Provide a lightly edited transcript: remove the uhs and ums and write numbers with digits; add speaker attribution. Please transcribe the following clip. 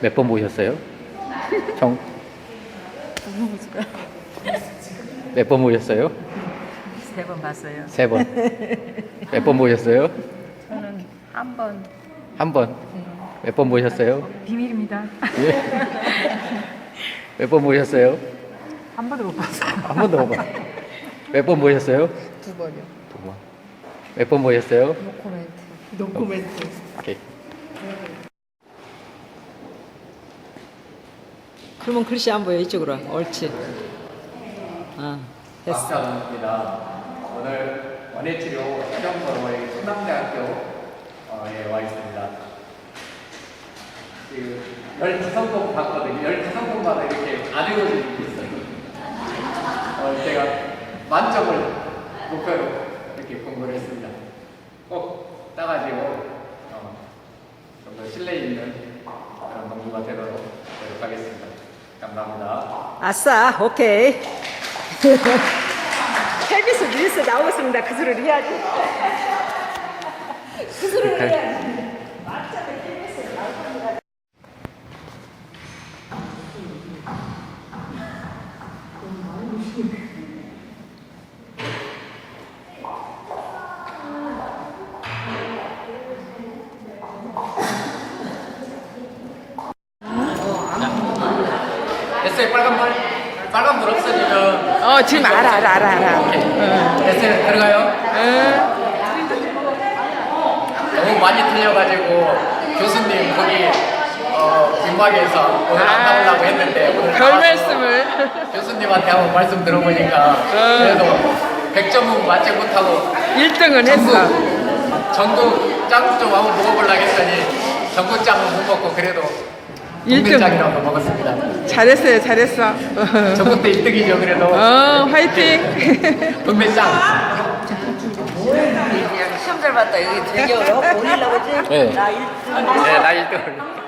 Speaker 1: 몇 번 보셨어요? 정? 몇 번 보셨어요?
Speaker 2: 3번 봤어요.
Speaker 1: 3번. 몇 번 보셨어요?
Speaker 2: 저는 한 번.
Speaker 1: 한 번. 몇 번 보셨어요?
Speaker 2: 비밀입니다.
Speaker 1: 예? 몇 번 보셨어요?
Speaker 2: 한 번도 못 봤어요.
Speaker 1: 한 번도 못 봤어요. 몇 번 보셨어요?
Speaker 2: 2번이요.
Speaker 1: 2번. 몇 번 보셨어요?
Speaker 2: 노코멘트. 노코멘트.
Speaker 1: 오케이.
Speaker 3: 그러면 글씨 안 보여. 이쪽으로 와. 옳지. 됐어.
Speaker 1: 박사입니다. 오늘 원예치료 시험번호의 충남대학교에 와 있습니다. 지금 12성공 봤거든요. 12성공마다 이렇게 안 읽어주는 게 있어요. 제가 만점을 목표로 이렇게 공부를 했습니다. 꼭 따가지고 좀 더 신뢰 있는 그런 농부가 되도록 노력하겠습니다. 감사합니다.
Speaker 3: 아싸. 오케이. KBS 뉴스 나오겠습니다. 그 소리를 해야지. 그 소리를 해야지.
Speaker 1: 됐어요. 빨간불 없어지면
Speaker 3: 지금 알아.
Speaker 1: 오케이. 됐어요. 들어가요. 너무 많이 틀려가지고 교수님 거기 뒷막에서 오늘 안 나오려고 했는데 오늘
Speaker 3: 별
Speaker 1: 나와서
Speaker 3: 말씀을.
Speaker 1: 교수님한테 한번 말씀 들어보니까 그래도 100점은 맞지 못하고
Speaker 3: 1등은 했어.
Speaker 1: 전국 짱 좀 한번 먹어보려고 했더니 전국 짱은 못 먹고 그래도
Speaker 3: 일등.
Speaker 1: 동네 짱이라고 먹었습니다.
Speaker 3: 잘했어.
Speaker 1: 전국 때 1등이죠 그래도.
Speaker 3: 화이팅.
Speaker 1: 동네 짱.
Speaker 2: 시험 잘 봤다. 여기 되게 어려워. 올리려고 했지?
Speaker 1: 네.
Speaker 2: 나 1등.
Speaker 1: 네, 나 1등.